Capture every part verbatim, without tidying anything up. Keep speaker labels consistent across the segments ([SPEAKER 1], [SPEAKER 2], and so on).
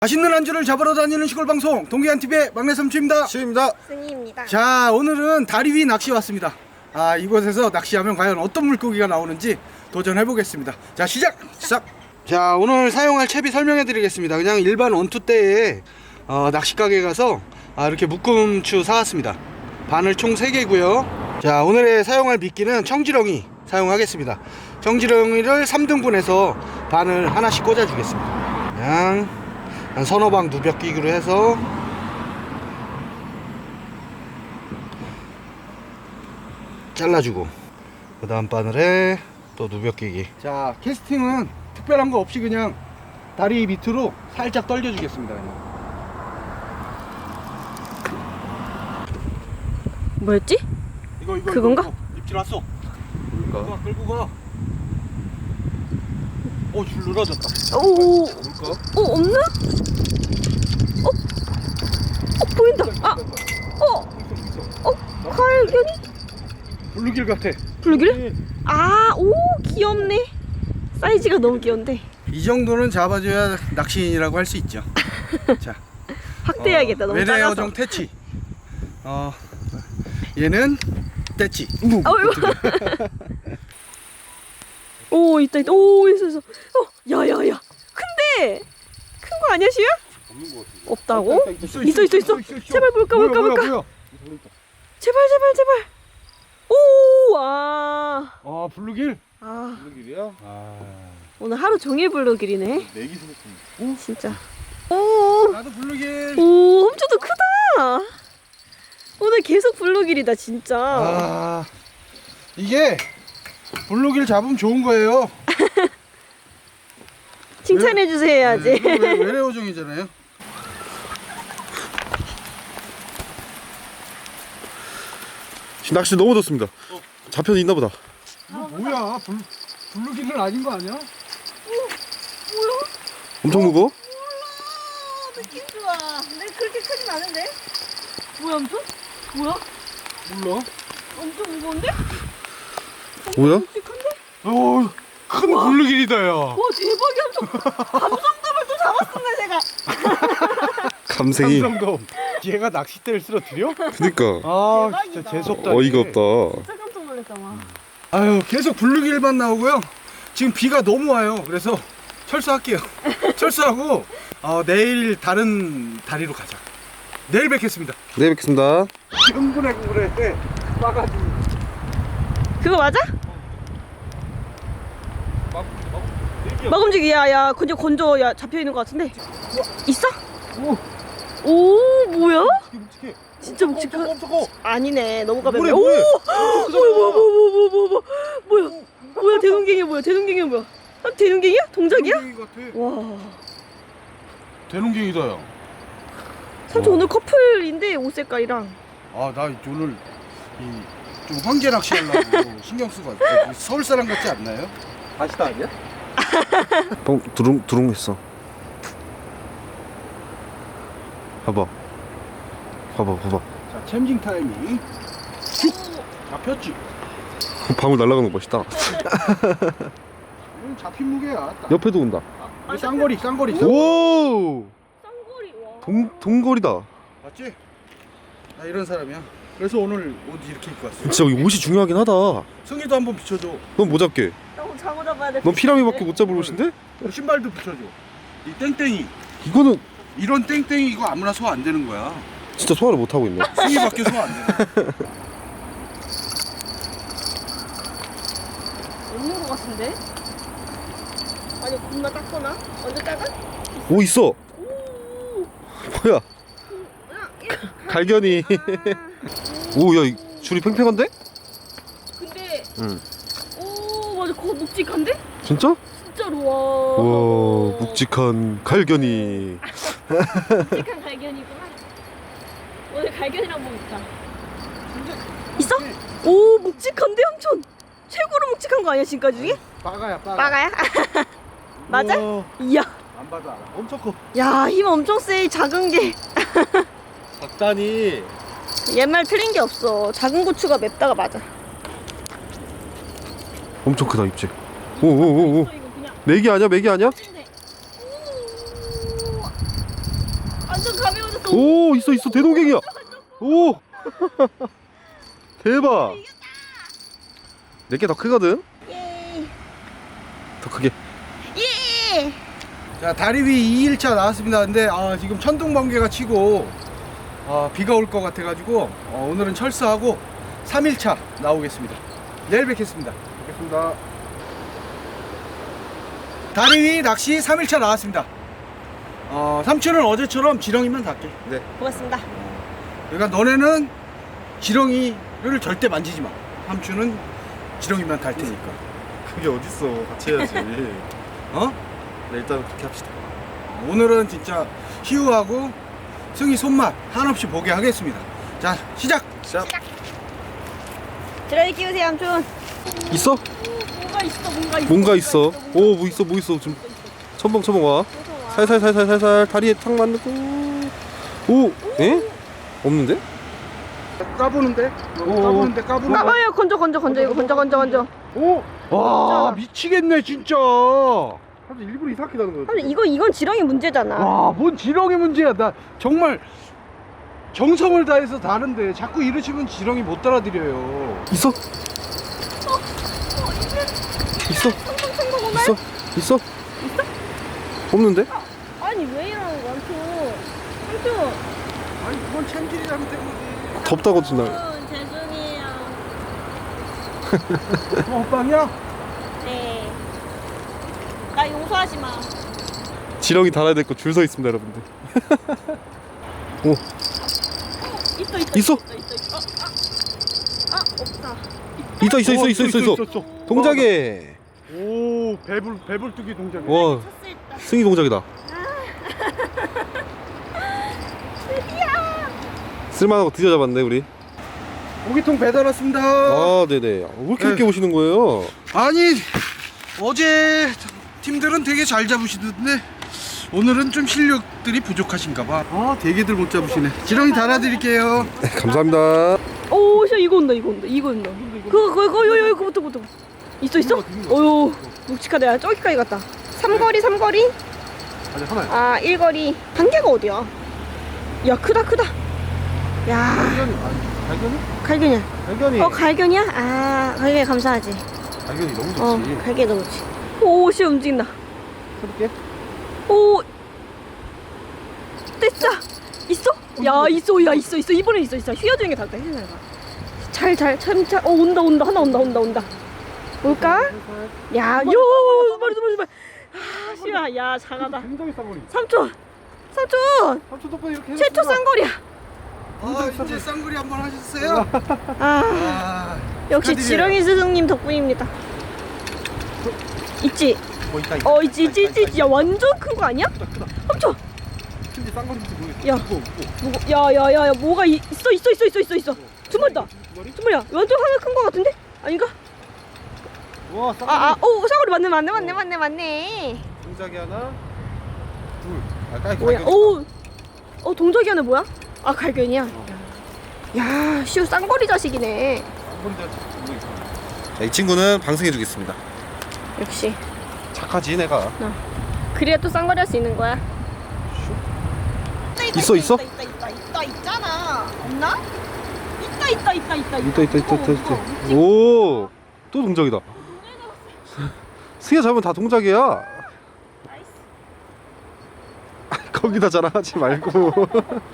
[SPEAKER 1] 맛있는 안주를 잡으러 다니는 시골 방송 동기한티비의 막내 삼촌입니다.
[SPEAKER 2] 시입니다.
[SPEAKER 3] 승희입니다.
[SPEAKER 1] 자, 오늘은 다리 위 낚시 왔습니다. 아, 이곳에서 낚시하면 과연 어떤 물고기가 나오는지 도전해 보겠습니다. 자, 시작! 시작! 자, 오늘 사용할 채비 설명해 드리겠습니다. 그냥 일반 원투대에 어, 낚시 가게 가서 아, 이렇게 묶음추 사왔습니다. 바늘 총 세 개고요. 자, 오늘의 사용할 미끼는 청지렁이 사용하겠습니다. 청지렁이를 삼 등분해서 바늘 하나씩 꽂아 주겠습니다. 그냥 한 서너 방 누벽 끼기로 해서 잘라주고, 그 다음 바늘에 또 누벽 끼기. 자, 캐스팅은 특별한 거 없이 그냥 다리 밑으로 살짝 떨겨 주겠습니다. 그냥.
[SPEAKER 3] 뭐였지?
[SPEAKER 1] 이거 이거
[SPEAKER 3] 그건가?
[SPEAKER 1] 이거, 이거. 입질 왔어. 끌고
[SPEAKER 2] 뭘까?
[SPEAKER 1] 가, 끌고 가. 오, 줄 늘어졌다.
[SPEAKER 3] 오,
[SPEAKER 1] 뭘까?
[SPEAKER 3] 어 없나? 어, 어 보인다. 아, 어, 어 칼견이?
[SPEAKER 1] 블루길 같아.
[SPEAKER 3] 블루길? 아, 오 귀엽네. 사이즈가 너무 귀여운데.
[SPEAKER 1] 이 정도는 잡아줘야 낚시인이라고 할 수 있죠. 자,
[SPEAKER 3] 확대해야겠다.
[SPEAKER 1] 어,
[SPEAKER 3] 너무
[SPEAKER 1] 외래
[SPEAKER 3] 작아서.
[SPEAKER 1] 어종 태치. 어, 얘는 떼치.
[SPEAKER 3] 어이구. 오 있다 있다. 오 있어 있어. 어, 야야야. 큰데 큰 거 아니야 시우야?
[SPEAKER 2] 없는 것 같은데.
[SPEAKER 3] 없다고?
[SPEAKER 1] 있어
[SPEAKER 3] 있어 있어 있어. 제발 볼까
[SPEAKER 1] 뭐야,
[SPEAKER 3] 볼까
[SPEAKER 1] 뭐야,
[SPEAKER 3] 볼까.
[SPEAKER 1] 뭐야.
[SPEAKER 3] 제발 제발 제발. 오, 아,
[SPEAKER 1] 아, 블루길?
[SPEAKER 3] 아
[SPEAKER 2] 무슨 길이야?
[SPEAKER 1] 아,
[SPEAKER 3] 오늘 하루 종일 블루길이네.
[SPEAKER 2] 내기 생겼습니다.
[SPEAKER 3] 오 진짜. 오,
[SPEAKER 1] 나도 블루길.
[SPEAKER 3] 오 엄청 더 크다. 오늘 계속 블루길이다 진짜.
[SPEAKER 1] 아, 이게 블루길 잡으면 좋은 거예요.
[SPEAKER 3] 칭찬해 주세요 해야지.
[SPEAKER 1] 네, 이거 외- 외래 어종이잖아요.
[SPEAKER 2] 지금 낚시 너무 좋습니다. 잡혀서 있나 보다.
[SPEAKER 1] 이거 뭐야? 블, 블루길은 아닌 거 아니야?
[SPEAKER 2] 엄청 무거워?
[SPEAKER 3] 몰라, 느낌 좋아. 근데 그렇게 크진 않은데? 뭐야 엄청? 뭐야?
[SPEAKER 1] 몰라.
[SPEAKER 3] 엄청 무거운데?
[SPEAKER 2] 뭐야?
[SPEAKER 3] 묵직한데?
[SPEAKER 1] 어, 큰 블루길이다, 야.
[SPEAKER 3] 와 대박이야. 엄청 감성돔을 또 잡았습니다 제가.
[SPEAKER 2] 감생이.
[SPEAKER 1] 삼성돔. 얘가 낚싯대를 쓰러뜨려?
[SPEAKER 2] 그니까.
[SPEAKER 1] 아,
[SPEAKER 3] 대박이다.
[SPEAKER 1] 진짜 재수없다.
[SPEAKER 2] 어이가
[SPEAKER 1] 이게.
[SPEAKER 2] 없다.
[SPEAKER 3] 진짜 깜짝 놀랐잖아.
[SPEAKER 1] 아유, 계속 블루길만 나오고요. 지금 비가 너무 와요. 그래서 철수할게요. 철수하고 어, 내일 다른 다리로 가자. 내일 뵙겠습니다.
[SPEAKER 2] 네, 뵙겠습니다.
[SPEAKER 1] 흥분해 그래. 빠가지고.
[SPEAKER 3] 그거 맞아? 막 움직이. 야야 건져 건져. 야 잡혀있는 거 같은데. 있어?
[SPEAKER 1] 오,
[SPEAKER 3] 오 뭐야?
[SPEAKER 1] 묵직해.
[SPEAKER 3] 진짜 묵직한.
[SPEAKER 1] 멈춰고.
[SPEAKER 3] 아니네 너무 가볍네.
[SPEAKER 1] 뭐래,
[SPEAKER 3] 오
[SPEAKER 1] 뭐래?
[SPEAKER 3] 뭐야 뭐야 뭐야 뭐야 뭐야 뭐야 뭐야 뭐야 대눈갱이 뭐야 대눈갱이 뭐야? 아, 대눈갱이야? 동작이야?
[SPEAKER 1] 대농갱이 같아.
[SPEAKER 3] 와
[SPEAKER 1] 대농갱이다, 야.
[SPEAKER 3] 삼촌
[SPEAKER 1] 어.
[SPEAKER 3] 오늘 커플인데 옷 색깔이랑.
[SPEAKER 1] 아, 나 오늘 이 좀 황제 낚시 하려고 신경 쓰고 왔어요. 서울 사람 같지 않나요? 바시다 아니야?
[SPEAKER 2] 뻥 두릉 두릉했어. 봐봐. 봐봐 봐봐.
[SPEAKER 1] 자, 챔징 타이밍. 슉! 잡혔지?
[SPEAKER 2] 방울 날아가는 거 멋있다.
[SPEAKER 1] 이건 잡힌 무게야. 딱.
[SPEAKER 2] 옆에도 온다.
[SPEAKER 1] 이 쌍거리, 쌍거리.
[SPEAKER 2] 오!
[SPEAKER 3] 쌍거리. 와.
[SPEAKER 2] 동 동거리다.
[SPEAKER 1] 맞지? 나 이런 사람이야. 그래서 오늘 옷 이렇게 입고 왔어.
[SPEAKER 2] 진짜 이 옷이 중요하긴 하다.
[SPEAKER 1] 승희도 한번 비춰줘.
[SPEAKER 2] 넌 뭐 잡게?
[SPEAKER 3] 형 장어 잡아야 돼.
[SPEAKER 2] 넌 피라미밖에 못 잡을 옷인데?
[SPEAKER 1] 신발도 비춰줘. 이 땡땡이.
[SPEAKER 2] 이거는
[SPEAKER 1] 이런 땡땡이 이거 아무나 소화 안 되는 거야.
[SPEAKER 2] 진짜 소화를 못 하고 있네.
[SPEAKER 1] 승희밖에 소화 안 돼.
[SPEAKER 3] 없는 거 같은데? 아니 겁나 작거나? 완전 작아?
[SPEAKER 2] 오 있어.
[SPEAKER 3] 오.
[SPEAKER 2] 뭐야?
[SPEAKER 3] 아,
[SPEAKER 2] 갈견이.
[SPEAKER 3] 아.
[SPEAKER 2] 오, 야, 이 줄이 팽팽한데?
[SPEAKER 3] 근데
[SPEAKER 2] 응.
[SPEAKER 3] 오 맞아 그거 묵직한데?
[SPEAKER 2] 진짜?
[SPEAKER 3] 진짜로 와.
[SPEAKER 2] 와, 묵직한 갈견이.
[SPEAKER 3] 묵직한 갈견이구나. 오늘 갈견이랑 먹자. 있어? 오 묵직한데 삼촌. 최고로 묵직한 거 아니야 지금까지 중에?
[SPEAKER 1] 빠가야, 빠가.
[SPEAKER 3] 빠가야? 맞아?
[SPEAKER 1] 우와,
[SPEAKER 3] 이야.
[SPEAKER 1] 안 받아. 엄청 커.
[SPEAKER 3] 야 힘 엄청 세. 작은 게.
[SPEAKER 2] 작다니.
[SPEAKER 3] 옛말 틀린 게 없어. 작은 고추가 맵다가 맞아.
[SPEAKER 2] 엄청 크다 입질. 오오오오.
[SPEAKER 3] 이거 그냥
[SPEAKER 2] 메기 아니야? 메기 아니야?
[SPEAKER 3] 근데 가벼워졌어.
[SPEAKER 2] 오 있어 있어 대동갱이야. 오 대박. 내게 더 크거든.
[SPEAKER 3] 예.
[SPEAKER 2] 더 크게.
[SPEAKER 3] 예.
[SPEAKER 1] 자, 다리 위 이 일차 나왔습니다. 근데 아, 지금 천둥 번개가 치고 아, 비가 올 것 같아가지고 어, 오늘은 철수하고 삼 일차 나오겠습니다. 내일 뵙겠습니다. 뵙겠습니다. 다리 위 낚시 삼 일차 나왔습니다. 어, 삼촌은 어제처럼 지렁이만 닿게.
[SPEAKER 2] 네.
[SPEAKER 3] 고맙습니다.
[SPEAKER 1] 그러니까 너네는 지렁이를 절대 만지지 마. 삼촌은 지렁이만 달 테니까.
[SPEAKER 2] 그게 어딨어. 같이 해야지.
[SPEAKER 1] 어?
[SPEAKER 2] 네, 일단 그렇게 합시다.
[SPEAKER 1] 오늘은 진짜 희우하고 승희 손맛 한없이 보게 하겠습니다. 자, 시작!
[SPEAKER 2] 시작.
[SPEAKER 3] 드라이 끼우세요, 삼촌.
[SPEAKER 2] 있어?
[SPEAKER 3] 뭔가 있어, 뭔가 있어.
[SPEAKER 2] 뭔가 있어. 오 뭐 있어 뭐 있어 좀 첨벙 첨벙 와. 살살 살살 살살 다리에 탁 맞고. 오 에? 없는데?
[SPEAKER 1] 까부는데? 까부는데 까부는데?
[SPEAKER 3] 까봐요, 건져, 건져, 건져, 이거 건져, 건져, 건져.
[SPEAKER 1] 오! 와,
[SPEAKER 3] 진짜.
[SPEAKER 1] 미치겠네 진짜.
[SPEAKER 2] 사실 일부러 이상하게 나는 거야.
[SPEAKER 3] 삼촌, 이거, 이건 지렁이 문제잖아.
[SPEAKER 1] 와, 뭔 지렁이 문제야. 나 정말 정성을 다해서 다는데 자꾸 이러시면 지렁이 못 따라드려요.
[SPEAKER 2] 있어? 있어? 있어? 있어? 없는데?
[SPEAKER 3] 아니, 왜 이러는 거야, 삼촌? 삼촌.
[SPEAKER 1] 아니, 그건 참기리 잘못된 거지.
[SPEAKER 2] 덥다고 준다.
[SPEAKER 3] 삼촌, 죄송해요.
[SPEAKER 1] 어, 호빵이야?
[SPEAKER 3] 네. 나 용서하지 마.
[SPEAKER 2] 지렁이 달아야 될 거 줄 서 있습니다, 여러분들. 오
[SPEAKER 3] 있어, 있어.
[SPEAKER 2] 있어?
[SPEAKER 3] 있어, 있어, 있어. 아, 아, 없다.
[SPEAKER 2] 있어 있어 있어 있어 있어 있어.
[SPEAKER 1] 있어.
[SPEAKER 2] 동작에.
[SPEAKER 1] 오, 배불 배불뚝이 동작이야.
[SPEAKER 2] 와
[SPEAKER 3] 쳤을 때.
[SPEAKER 2] 승희 동작이다.
[SPEAKER 3] 드디어.
[SPEAKER 2] 쓸만한 거 드디어 잡았네 우리.
[SPEAKER 1] 고기통 배달 왔습니다.
[SPEAKER 2] 아 네네. 왜 이렇게 늦게
[SPEAKER 1] 네.
[SPEAKER 2] 오시는 거예요?
[SPEAKER 1] 아니, 어제 팀들은 되게 잘 잡으시던데 오늘은 좀 실력들이 부족하신가 봐. 아, 되게들 못 잡으시네. 지렁이 달아드릴게요.
[SPEAKER 2] 네, 감사합니다.
[SPEAKER 3] 오, 씨, 이거 온다, 이거 온다, 이거 온다. 그거, 그거, 그거, 요, 요, 그거부터, 그거부터. 있어, 있어? 어유, 묵직하다. 야, 저기까지 갔다. 삼거리, 삼거리.
[SPEAKER 2] 아니 하나야.
[SPEAKER 3] 아, 일거리. 한 개가 어디야? 야, 크다, 크다. 야,
[SPEAKER 2] 갈견이 갈견이?
[SPEAKER 3] 갈견이야.
[SPEAKER 2] 갈견이.
[SPEAKER 3] 어, 갈견이야? 아, 갈견이 감사하지.
[SPEAKER 2] 갈견이 너무 좋지.
[SPEAKER 3] 어, 갈견이 너무 좋지. 오, 씨, 움직인다.
[SPEAKER 2] 해볼게.
[SPEAKER 3] 오, 됐다. 있어? 야, 있어, 야, 있어, 있어. 이번에 있어, 있어. 휘어지는 게 낫다. 휘어지는 게 잘, 잘, 참, 잘. 어, 온다, 온다. 하나 온다, 온다, 온다. 올까? 야, 요, 두 마리, 두 마리, 두 마리. 아, 씨야, 야, 잘하다.
[SPEAKER 2] 굉장히 쌍거리.
[SPEAKER 3] 삼촌, 삼촌,
[SPEAKER 2] 삼촌 덕분에 이렇게
[SPEAKER 3] 최초 쌍거리야.
[SPEAKER 1] 아, 이제 쌍거리 한번 하셨어요?
[SPEAKER 3] 아,
[SPEAKER 1] 아,
[SPEAKER 3] 역시
[SPEAKER 1] 축하드려요.
[SPEAKER 3] 지렁이 스승님 덕분입니다. 있지?
[SPEAKER 2] 뭐 있다 있다.
[SPEAKER 3] 어, 있지, 있지, 있지, 있지. 야, 완전 큰 거 아니야? 삼촌.
[SPEAKER 2] 근데 쌍거리인지 모르겠어.
[SPEAKER 3] 야.
[SPEAKER 2] 무거워, 무거워.
[SPEAKER 3] 뭐, 야, 야, 야, 야, 뭐가 이- 있어, 있어, 있어, 있어, 있어, 있어. 두 마리다.
[SPEAKER 2] 두 마리?
[SPEAKER 3] 두 마리야. 완전 하나 큰 거 같은데? 아닌가?
[SPEAKER 2] 와 쌍거리.
[SPEAKER 3] 아, 아, 오, 쌍거리 맞네, 맞네, 맞네, 맞네, 맞네.
[SPEAKER 2] 동작이 하나, 둘. 아 깔
[SPEAKER 3] 뭐야?
[SPEAKER 2] 갈견이.
[SPEAKER 3] 오, 어, 동작이 하나 뭐야? 아, 갈견이야. 야, 시우 쌍거리 자식이네.
[SPEAKER 2] 자, 이 친구는 방생해주겠습니다.
[SPEAKER 3] 역시.
[SPEAKER 2] 착하지 내가.
[SPEAKER 3] 그래야 또 쌍거리 할 수 있는 거야.
[SPEAKER 2] 있어, 있어?
[SPEAKER 3] 있다, 있다, 있다, 있다, 있잖아. 없나? 있다, 있다, 있다, 있다,
[SPEAKER 2] 있다 있다 있다 있다
[SPEAKER 3] 무거워,
[SPEAKER 2] 있다.
[SPEAKER 3] 무거워.
[SPEAKER 2] 오, 또 동작이다. 승희가 잡으면 다 동작이야.
[SPEAKER 3] 나이스.
[SPEAKER 2] 거기다 자랑하지 말고.
[SPEAKER 3] 완전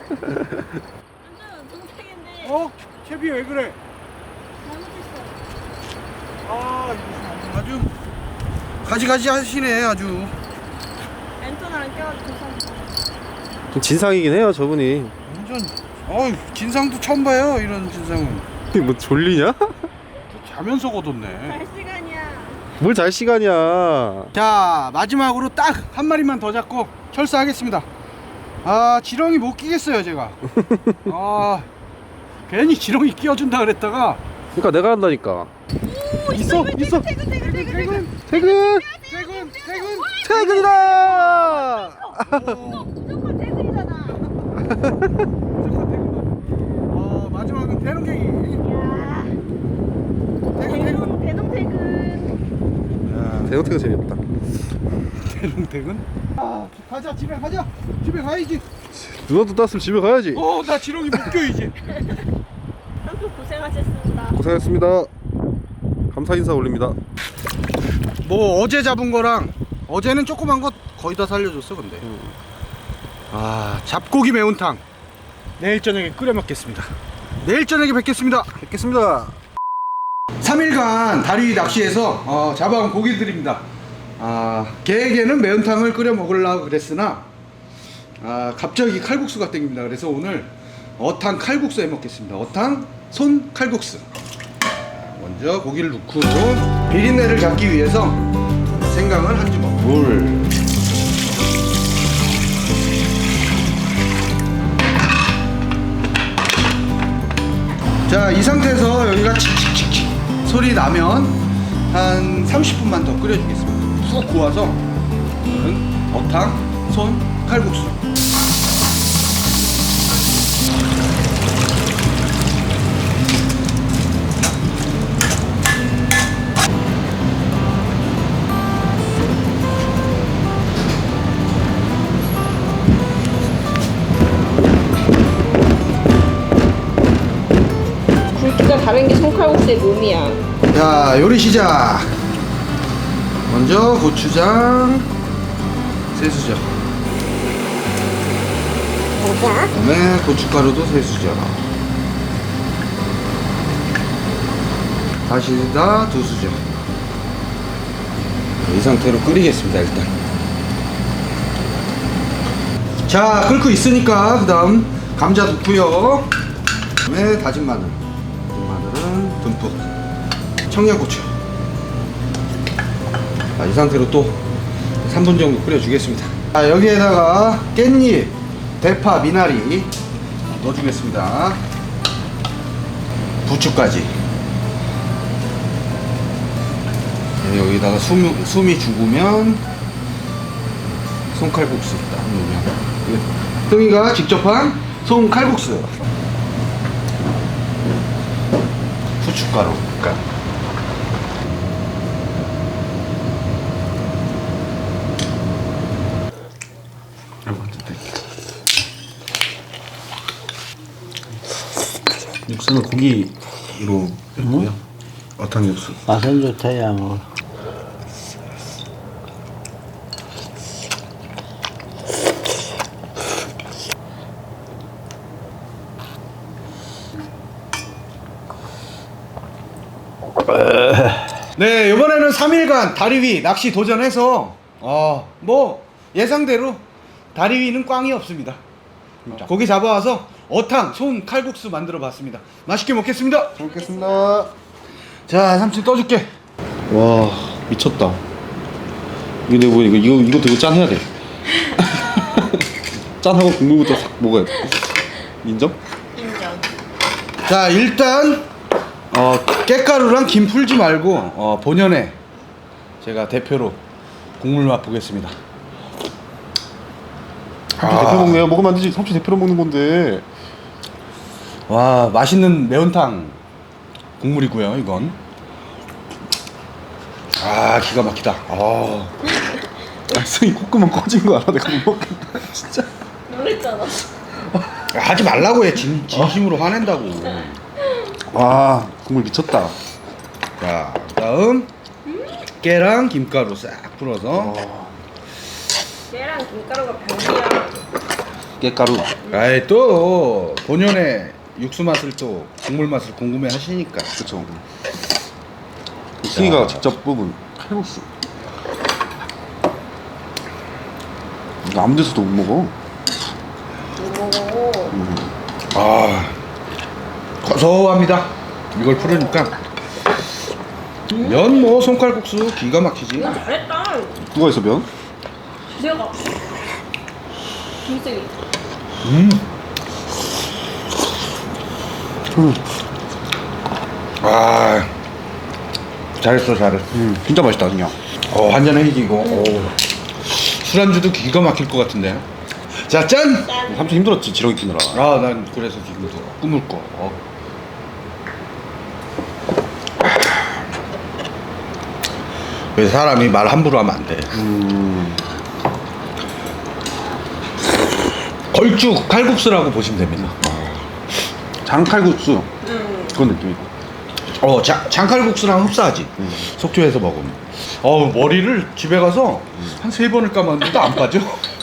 [SPEAKER 3] 동작인데
[SPEAKER 1] 어? 채비 왜 그래?
[SPEAKER 3] 잘못했어.
[SPEAKER 1] 아, 아주 가지가지 하시네 아주.
[SPEAKER 3] 랜턴이랑 껴가지고 괜찮아.
[SPEAKER 2] 좀 진상이긴 해요 저분이.
[SPEAKER 1] 완전. 어, 진상도 처음 봐요 이런 진상은.
[SPEAKER 2] 뭐 졸리냐?
[SPEAKER 1] 자면서 거뒀네.
[SPEAKER 3] 갈 시간이야.
[SPEAKER 2] 뭘 잘 시간이야.
[SPEAKER 1] 자, 마지막으로 딱 한 마리만 더 잡고 철수하겠습니다. 아, 지렁이 못 끼겠어요 제가. 아, 괜히 지렁이 끼워준다 그랬다가.
[SPEAKER 2] 그러니까 내가 한다니까.
[SPEAKER 3] 오,
[SPEAKER 2] 있어, 있어.
[SPEAKER 3] 퇴근, 퇴근, 퇴근, 퇴근.
[SPEAKER 2] 퇴근.
[SPEAKER 1] 퇴근, 퇴근.
[SPEAKER 2] 퇴근이다.
[SPEAKER 3] 무조건 퇴근이잖아.
[SPEAKER 1] 어, 마지막은 대롱갱이.
[SPEAKER 3] 야,
[SPEAKER 1] 퇴근, 퇴근.
[SPEAKER 3] 대농, 대농 퇴근.
[SPEAKER 2] 대형 퇴근 재미없다.
[SPEAKER 1] 대롱택은? 아, 가자 집에 가자. 집에 가야지.
[SPEAKER 2] 누나도 땄으면 집에 가야지.
[SPEAKER 1] 어, 나 지렁이 못 껴 이제.
[SPEAKER 3] 삼촌 고생하셨습니다.
[SPEAKER 2] 고생했습니다. 감사 인사 올립니다.
[SPEAKER 1] 뭐 어제 잡은 거랑 어제는 조그만 거 거의 다 살려줬어 근데. 아, 잡고기 매운탕 내일 저녁에 끓여 먹겠습니다. 내일 저녁에 뵙겠습니다.
[SPEAKER 2] 뵙겠습니다.
[SPEAKER 1] 삼 일간 다리 낚시에서 어, 잡아온 고기들입니다. 아, 걔에게는 매운탕을 끓여 먹으려고 그랬으나 아, 갑자기 칼국수가 땡깁니다. 그래서 오늘 어탕 칼국수 해 먹겠습니다. 어탕 손 칼국수. 먼저 고기를 넣고 비린내를 잡기 위해서 생강을 한 주먹, 물, 자, 이 상태에서 여기가 칙칙칙칙 소리 나면 한 삼십 분만 더 끓여주겠습니다. 푹 구워서 오늘은 어탕 손 칼국수.
[SPEAKER 3] 굵기가 다른 게 손칼국수의 묘미야.
[SPEAKER 1] 자, 요리 시작. 먼저 고추장, 새수저, 그다음에 고춧가루도 새수저, 다시다 두 수저. 이 상태로 끓이겠습니다. 일단 자, 끓고 있으니까 그 다음 감자 넣고요. 그다음에 다진 마늘, 다진 마늘은 듬뿍, 청양고추. 자, 이 상태로 또 삼 분 정도 끓여주겠습니다. 자, 여기에다가 깻잎, 대파, 미나리 넣어주겠습니다. 부추까지. 네, 여기다가 숨, 숨이 죽으면 손칼국수 딱 넣으면 흥이가 직접 한 손칼국수. 후춧가루 약간.
[SPEAKER 2] 육수는 고기로 했고요. 어탕 육수.
[SPEAKER 4] 맛은 좋다, 야, 뭐.
[SPEAKER 1] 네, 이번에는 삼 일간 다리 위 낚시 도전해서 어, 뭐 예상대로 다리 위는 꽝이 없습니다. 고기 잡아와서 어탕 손 칼국수 만들어 봤습니다. 맛있게 먹겠습니다.
[SPEAKER 2] 잘 먹겠습니다.
[SPEAKER 1] 자, 삼촌 떠줄게.
[SPEAKER 2] 와 미쳤다. 이거 내가 이거 이거 이거 되게 짠해야 돼. 짠하고 국물부터 싹 먹어야 돼. 인정?
[SPEAKER 3] 인정.
[SPEAKER 1] 자, 일단 어, 깻가루랑 김 풀지 말고 어, 본연의 제가 대표로 국물 맛보겠습니다.
[SPEAKER 2] 삼촌 대표 먹네요. 먹으면 안 되지. 삼촌 대표로 먹는 건데.
[SPEAKER 1] 와, 맛있는 매운탕 국물이고요, 이건. 아, 기가 막히다. 아,
[SPEAKER 2] 아, 승이 콧구멍 꺼진 거 알아? 내가 못 먹겠다. 진짜.
[SPEAKER 3] 놀랬잖아.
[SPEAKER 1] 하지 말라고 해. 진, 진심으로 화낸다고.
[SPEAKER 2] 와 국물 미쳤다.
[SPEAKER 1] 자, 다음 깨랑 김가루 싹 풀어서.
[SPEAKER 3] 얘랑 김가루가 별이야.
[SPEAKER 2] 깻가루.
[SPEAKER 1] 아이, 또 본연의 육수 맛을 또 국물 맛을 궁금해 하시니까.
[SPEAKER 2] 그쵸. 승이가
[SPEAKER 1] 자.
[SPEAKER 2] 직접 뽑은 칼국수. 이거 아무 데서도 못 먹어.
[SPEAKER 3] 오.
[SPEAKER 1] 아, 고소합니다. 이걸 풀으니까. 면 뭐 손칼국수 기가 막히지.
[SPEAKER 3] 야, 잘했다.
[SPEAKER 2] 누가 있어 면?
[SPEAKER 3] 내가. 김승이.
[SPEAKER 1] 음.
[SPEAKER 2] 음.
[SPEAKER 1] 아, 잘했어, 잘했어.
[SPEAKER 2] 음, 진짜 맛있다 그냥.
[SPEAKER 1] 어, 한 잔에 이기고. 오. 술안주도 기가 막힐 것 같은데. 자, 짠.
[SPEAKER 2] 삼촌 힘들었지 지렁이 키느라.
[SPEAKER 1] 아, 난 그래서 지금도 꿈을 꿔. 어. 왜 사람이 말 함부로 하면 안 돼.
[SPEAKER 2] 음.
[SPEAKER 1] 걸쭉 칼국수라고 보시면 됩니다.
[SPEAKER 2] 장칼국수. 그런 느낌이고.
[SPEAKER 1] 어, 자, 장칼국수랑 흡사하지.
[SPEAKER 2] 음.
[SPEAKER 1] 속초에서 먹으면. 어, 머리를 집에 가서 한 세 번을 감았는데도 안 빠져.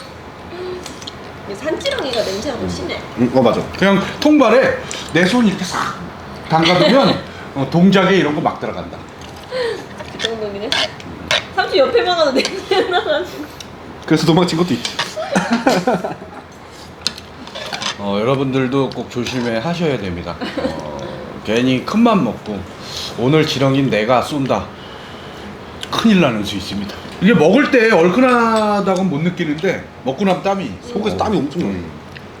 [SPEAKER 3] 산지렁이가 냄새가 더 심해.
[SPEAKER 2] 음, 어 맞아.
[SPEAKER 1] 그냥 통발에 내 손 이렇게 싹 담가두면 어, 동작에 이런 거 막 들어간다.
[SPEAKER 3] 그 정도이네. 삼촌 옆에만 가도 냄새 나가지고.
[SPEAKER 2] 그래서 도망친 것도 있지.
[SPEAKER 1] 어, 여러분들도 꼭 조심해 하셔야 됩니다. 어, 괜히 큰맘 먹고 오늘 지렁이는 내가 쏜다. 큰일 나는 수 있습니다. 이게 먹을 때 얼큰하다고는 못 느끼는데 먹고 나면 땀이
[SPEAKER 2] 속에서 땀이 엄청 나.
[SPEAKER 1] 음.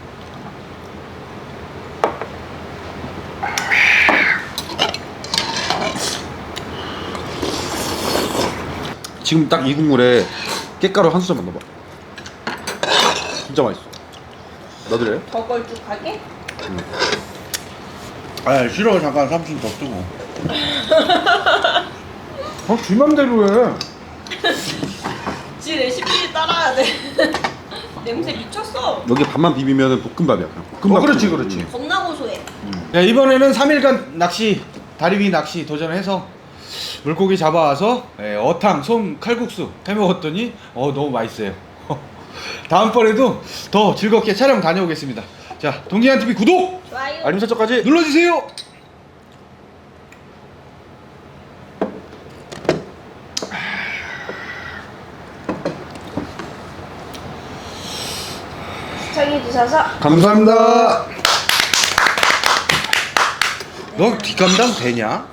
[SPEAKER 2] 지금 딱 이 국물에 깻가루 한 수저만 넣어봐. 진짜 맛있어. 넣어드려요?
[SPEAKER 3] 더 걸쭉하게?
[SPEAKER 1] 아 싫어. 잠깐 삼촌 더 뜨고. 어, 지 맘대로 해.
[SPEAKER 3] 지 레시피 따라야 돼. 냄새 미쳤어.
[SPEAKER 2] 여기 밥만 비비면 볶음밥이야. 그냥 볶음밥.
[SPEAKER 1] 어, 그렇지,
[SPEAKER 2] 국물.
[SPEAKER 1] 그렇지.
[SPEAKER 3] 겁나 고소해.
[SPEAKER 1] 야, 이번에는 삼 일간 낚시, 다리 위 낚시 도전해서 물고기 잡아와서 예, 어탕, 솜, 칼국수 해먹었더니 어 너무 맛있어요. 다음번에도 더 즐겁게 촬영 다녀오겠습니다. 자, 동기한티비 구독
[SPEAKER 3] 좋아요.
[SPEAKER 2] 알림 설정까지.
[SPEAKER 1] 눌러주세요.
[SPEAKER 3] 시청해주셔서
[SPEAKER 2] 감사합니다.
[SPEAKER 1] 너 뒷감당 되냐?